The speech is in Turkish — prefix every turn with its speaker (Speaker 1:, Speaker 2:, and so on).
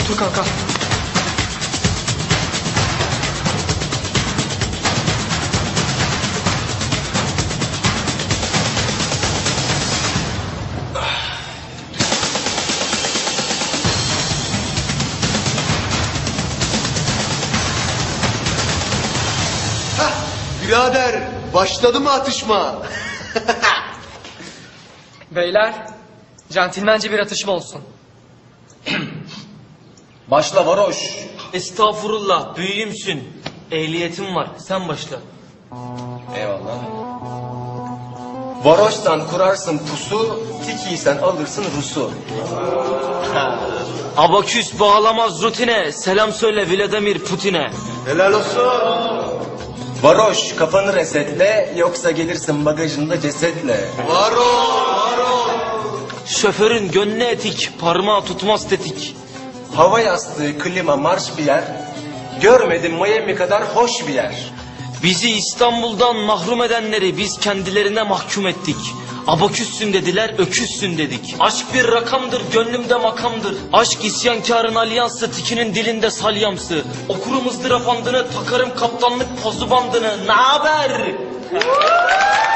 Speaker 1: Otur kanka.
Speaker 2: Birader, başladı mı atışma?
Speaker 1: Beyler, centilmence bir atışma olsun.
Speaker 3: Başla varoş.
Speaker 4: Estağfurullah, büyüğümsün. Ehliyetim var, sen başla.
Speaker 3: Eyvallah. Varoşsan kurarsın pusu, tikiysen alırsın Rus'u.
Speaker 4: Abaküs bağlamaz rutine, selam söyle Vladimir Putin'e.
Speaker 2: Helal olsun.
Speaker 3: Varoş kafanı resetle, yoksa gelirsin bagajında cesetle.
Speaker 2: Var ol.
Speaker 4: Şoförün gönlü etik, parmağı tutmaz tetik.
Speaker 3: Hava yastığı, klima, marş bir yer. Görmedim Miami kadar hoş bir yer.
Speaker 4: Bizi İstanbul'dan mahrum edenleri biz kendilerine mahkum ettik. Abaküssün dediler, öküzsün dedik. Aşk bir rakamdır, gönlümde makamdır. Aşk isyankarın alyansı, tikinin dilinde salyamsı. Okurum ızdırap andını, takarım kaptanlık pozu bandını. Naber?